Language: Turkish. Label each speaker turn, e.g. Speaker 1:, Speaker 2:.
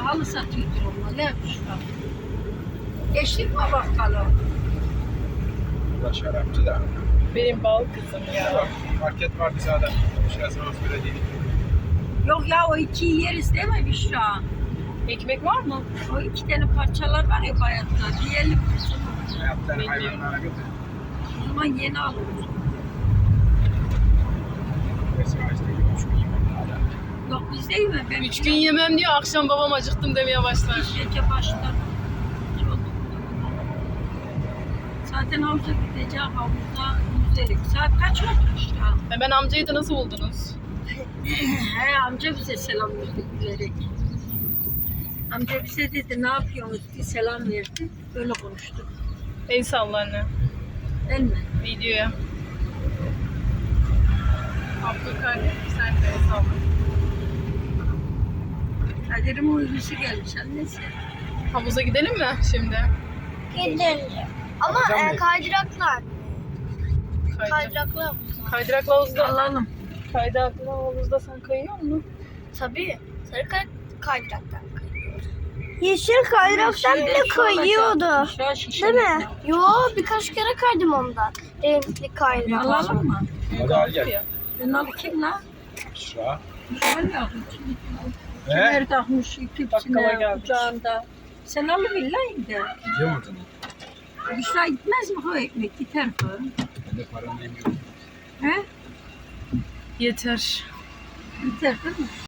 Speaker 1: Pahalı satıyordur onlar. Ne yapmışlar? Geçtik mi bakalım?
Speaker 2: Bu şarapçı da.
Speaker 3: Benim bal kızım ya.
Speaker 2: Market vardı sağda. Şurası öyle değil.
Speaker 1: Yok ya o ikiyi yeriz değil mi Büşra?
Speaker 3: Ekmek var mı?
Speaker 1: O iki tane parçalar var ya bayatlar. Yiyelim kızım.
Speaker 2: Hayatlar hayvanlara götür.
Speaker 1: O zaman yeni alırız.
Speaker 2: Mesela işte 3 gün yemek hala.
Speaker 1: Yok biz değil mi? Ben
Speaker 3: 3 gün yemem diyor, akşam babam acıktım demeye başlar.
Speaker 1: gece başlar. Çok. Zaten havuza gideceğim. Havuzda yüzerik. Saat kaç oldu Büşra?
Speaker 3: Hemen amcayı da nasıl buldunuz?
Speaker 1: He amca bize selam verdi gülerek. Amca bize dedi ne yapıyorsunuz diye selam verdi. Böyle konuştuk.
Speaker 3: El salla anne.
Speaker 1: Değil mi?
Speaker 3: Videoya. Abdülkadir sen de el salla.
Speaker 1: Kadir'in uykusu gelmiş annesi.
Speaker 3: Havuza gidelim mi şimdi?
Speaker 4: Gidelim. Ama kaydıraklar.
Speaker 3: Kaydırak.
Speaker 4: Kaydıraklar.
Speaker 3: Kaydıraklı havuzda.
Speaker 1: Alalım.
Speaker 3: Kaydıraklı havuzda sen kayıyor musun?
Speaker 4: Tabii. Sarı kaydıraktan kayıyor. Yeşil kaydıraktan bile kayıyordu.
Speaker 1: Büşra şişe.
Speaker 4: Değil mi? Yo, birkaç kere kaydım ondan. Renkli kaydırak.
Speaker 1: Alalım mı?
Speaker 2: Hadi al gel.
Speaker 1: Ben alayım kim lan?
Speaker 2: Şura.
Speaker 1: Güzel yapmış.
Speaker 2: He?
Speaker 1: Kemer takmış
Speaker 3: Bakkala
Speaker 1: tüpsüne,
Speaker 3: gelmiş.
Speaker 1: kucağında. Sen alıverin de.
Speaker 2: Yiyeceğim o zaman.
Speaker 1: Büşra gitmez mi o ekmek? Gider bu.
Speaker 2: Ben de param demiyorum.
Speaker 1: He?
Speaker 3: Yeter.
Speaker 1: Gider değil mi?